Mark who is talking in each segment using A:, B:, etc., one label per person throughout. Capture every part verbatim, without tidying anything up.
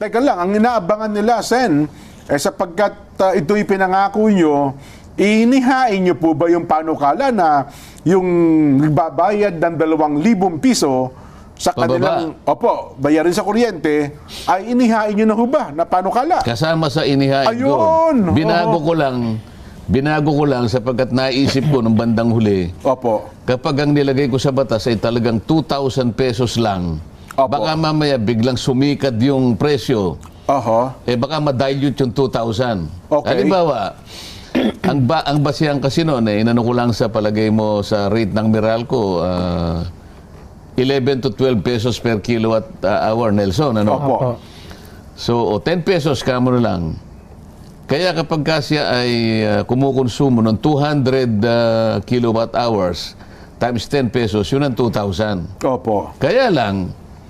A: Teka lang, ang inaabangan nila, Sen, eh, sapagkat uh, ito'y pinangako nyo, inihain nyo po ba yung panukala na yung nagbabayad ng dalawang libong piso sa kanilang, opo, bayarin sa kuryente, ay inihain nyo na ho ba na panukala?
B: Kasama sa inihain
A: Ayun!
B: ko. Binago
A: Oo.
B: ko lang, binago ko lang sapagkat naisip ko nung bandang huli,
A: Opo.
B: kapag ang nilagay ko sa batas ay talagang two thousand pesos lang,
A: Opo.
B: baka mamaya biglang sumikad yung presyo,
A: Oho.
B: eh baka ma-dilute yung two thousand.
A: Okay.
B: Halimbawa, ang, ba, ang basihan kasi noon, eh, inano ko lang sa palagay mo sa rate ng Meralco, ah, eleven to twelve pesos per kilowatt uh, hour, Nelson. Ano?
A: Opo.
B: So, o ten pesos kamo na lang. Kaya kapag kasya ay uh, kumukonsumo ng two hundred uh, kilowatt hours times ten pesos, yun ang two thousand.
A: Opo.
B: Kaya lang,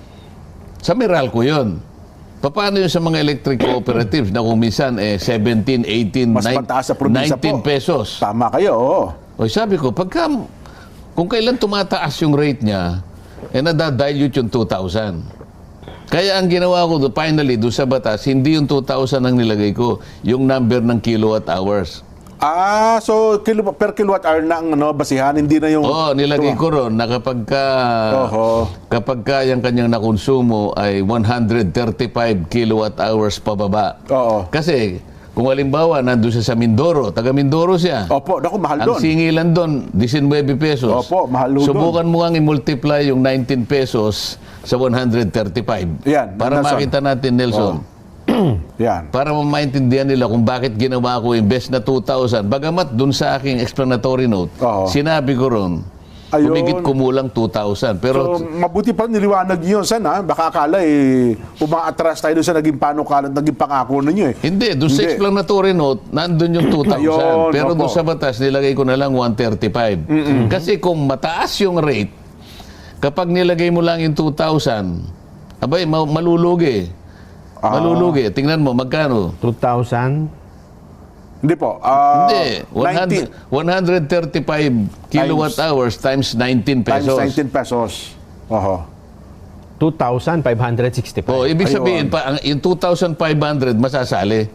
B: sa Meralco yun. Paano yun sa mga electric cooperatives na kung minsan eh, seventeen, eighteen,
A: Mas mataas sa probinsya
B: nineteen
A: po.
B: pesos?
A: Tama kayo, oo.
B: O sabi ko, pagka, kung kailan tumataas yung rate niya, eh nadadilute yung two thousand. Kaya ang ginawa ko, do, finally, doon sa batas, hindi yung two thousand ang nilagay ko, yung number ng kilowatt hours.
A: Ah, so kilo, per kilowatt hour na ang ano, basihan, hindi na yung...
B: Oo, nilagay ko ron na kapag ka,
A: Oho.
B: kapag ka yung kanyang nakonsumo ay one hundred thirty-five kilowatt hours pababa.
A: Oo.
B: Kasi, kung halimbawa, nandun siya sa Mindoro, taga Mindoro siya.
A: Opo, naku, mahal
B: Ang
A: doon.
B: singilan doon, nineteen pesos.
A: Opo, mahal doon.
B: Subukan mo nga i-multiply yung nineteen pesos sa one hundred thirty-five.
A: Yan,
B: Para
A: Nelson.
B: makita natin, Nelson.
A: Yan.
B: Para maintindihan nila kung bakit ginawa ko imbes na two thousand. Bagamat dun sa aking explanatory note,
A: Oo.
B: sinabi ko ron,
A: Ayun.
B: humigit kumulang two thousand. Pero
A: So, mabuti pa niliwanag niyo, Sen, ha? Baka akala, eh, umaatras tayo doon sa naging panukala at naging pangako ninyo, eh.
B: hindi, dun sa
A: Hindi.
B: explanatory note, nandun yung two thousand.
A: Ayun,
B: Pero
A: opo.
B: dun sa batas, nilagay ko na lang one thirty-five. Kasi kung mataas yung rate, kapag nilagay mo lang yung two thousand, abay, ma- malulugi.
A: Ah.
B: Malulugi. Tingnan mo, magkano?
C: two thousand?
A: Hindi po. ah,
B: Hindi.
A: nineteen
B: one hundred thirty-five kilowatt hours times nineteen
A: times
B: pesos.
A: nineteen pesos. Oho.
C: two thousand five hundred sixty-five.
B: Oh, ibig
A: Ayun.
B: sabihin, pa, ang, yung two thousand five hundred masasali.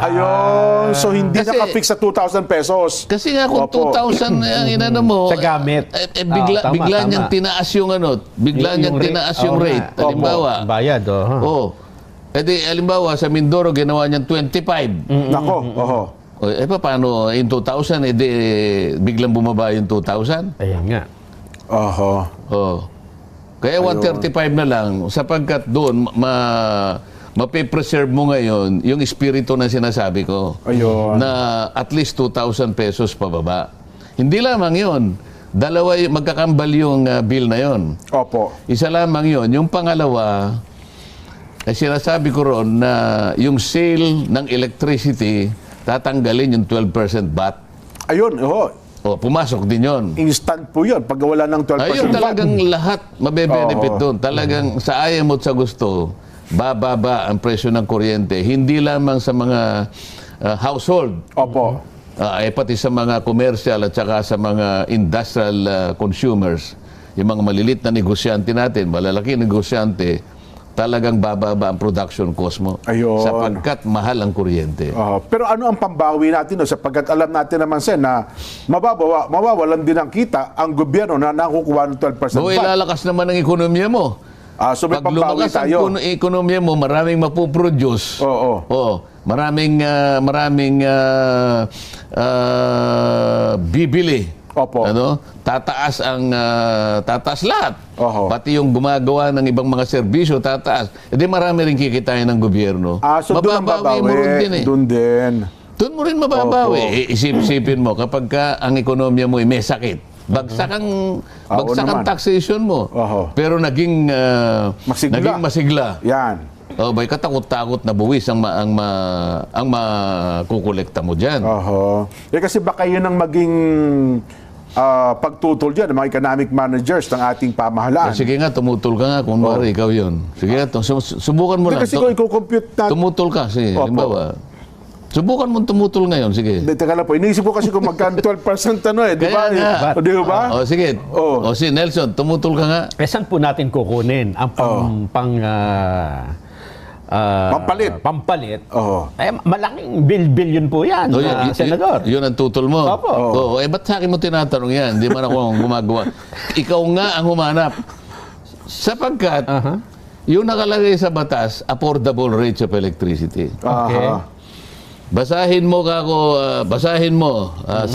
A: Ayun. So, hindi
B: Kasi-
A: nakafix sa two thousand pesos.
B: Kasi nga kung
A: Opo.
B: two thousand ang inano mo,
C: Sa gamit.
B: eh, eh, bigla,
C: Ah, tama,
B: bigla
C: tama.
B: niyang tinaas yung ano, bigla
C: Yung-
B: niyang
C: yung rate.
B: tinaas
C: Oo
B: yung
C: nga.
B: rate.
C: Opo.
B: Halimbawa,
C: Bayad, oh. huh?
B: oh, eh di, halimbawa, sa Mindoro, ginawa niyang twenty-five.
A: Nako. Oho.
B: O, eh, pa, paano, in two thousand, eh, di, biglang bumaba yung two thousand?
C: Ayan nga.
A: Oho.
B: Oh. Kaya one thirty-five na lang sapagkat doon ma mape-preserve mo ngayon yung espiritu na sinasabi ko.
A: Ayun.
B: Na at least two thousand pesos pababa. Hindi lamang 'yon. Dalawa y- magkakambal yung uh, bill na 'yon.
A: Opo.
B: Isa lamang 'yon. Yung pangalawa ay sinasabi ko ron na yung sale ng electricity tatanggalin yung twelve percent V A T.
A: Ayun. Oho.
B: O, pumasok din 'yon.
A: Instant po yun. Pag wala ng twelve percent.
B: Ayun, talagang lahat mabe-benefit
A: Oo.
B: doon. Talagang sa ayaw mo at sa gusto, bababa ang presyo ng kuryente. Hindi lamang sa mga uh, household,
A: Opo.
B: uh, eh, pati sa mga commercial at saka sa mga industrial uh, consumers. Yung mga malilit na negosyante natin, malalaki negosyante, talagang bababa ang production cost mo.
A: Ayun.
B: Sapagkat mahal ang kuryente.
A: Ah, pero ano ang pambawi natin no? Sapagkat alam natin naman, Sen, na mababawa, mawawalan din ang kita ang gobyerno na nakukuha ng twelve percent
B: O
A: V A T.
B: ilalakas naman ang ekonomiya mo.
A: Ah, so may
B: Pag
A: pambawi
B: lumakas ang
A: tayo.
B: kuno- ekonomiya mo, maraming mapuproduce.
A: Oo.
B: Oo. Maraming, ah, maraming ah, ah, bibili.
A: Opo.
B: Ano? Tataas ang, ah, tataas lahat.
A: Oho.
B: Pati yung gumagawa ng ibang mga serbisyo, tataas. E di marami rin kikitain ng gobyerno.
A: Ah, so doon ang
B: Mababawi mo rin
A: babawi.
B: din eh.
A: Doon din.
B: Doon mo rin mababawi.
A: Opo.
B: I- Isip-isipin mo, kapag ka ang ekonomiya mo ay may sakit, bagsak ang,
A: Ah, oo
B: bagsak ang
A: naman.
B: taxation mo.
A: Oho.
B: Pero naging, ah,
A: Masigla.
B: naging masigla.
A: Yan.
B: Oh, bay katakot-takot na buwis ang ma, ang ma, ang makukolekta mo diyan.
A: Oho. Eh kasi baka yun ang maging ah, pagtutol dyan ng mga economic managers ng ating pamahalaan.
B: Sige nga, tumutol ka nga kung mari ikaw 'yon. Sige nga, tu- sum- subukan mo
A: Hindi
B: lang.
A: kasi
B: Tu-
A: kung i-compute natin.
B: tumutol ka, sige.
A: Opo.
B: Halimbawa, subukan mo tumutol ngayon, sige.
A: Hindi, teka lang po. Iniisip ko kasi kung magkano twelve percent ano eh. Di ba?
B: Kaya nga.
A: O, di ba?
B: O sige.
A: Oo.
B: O si Nelson, tumutol ka nga.
C: Eh, saan po natin kukunin ang pang, pang ah, ah,
A: Pampalit.
C: pampalit,
A: Oo.
C: eh, malaking bil-bilyon po yan,
B: Oh,
C: ah,
B: yun,
C: Senador.
B: Yun, yun ang tutol mo.
C: Opo.
B: Oo. Eh, ba't sa akin mo tinatanong yan? Hindi man ako ang gumagawa. Ikaw nga ang humanap. Sapagkat,
C: Aha.
B: yung nakalagay sa batas, affordable rates of electricity.
C: Okay.
A: Aha.
B: Basahin mo kako, ah, basahin mo ah,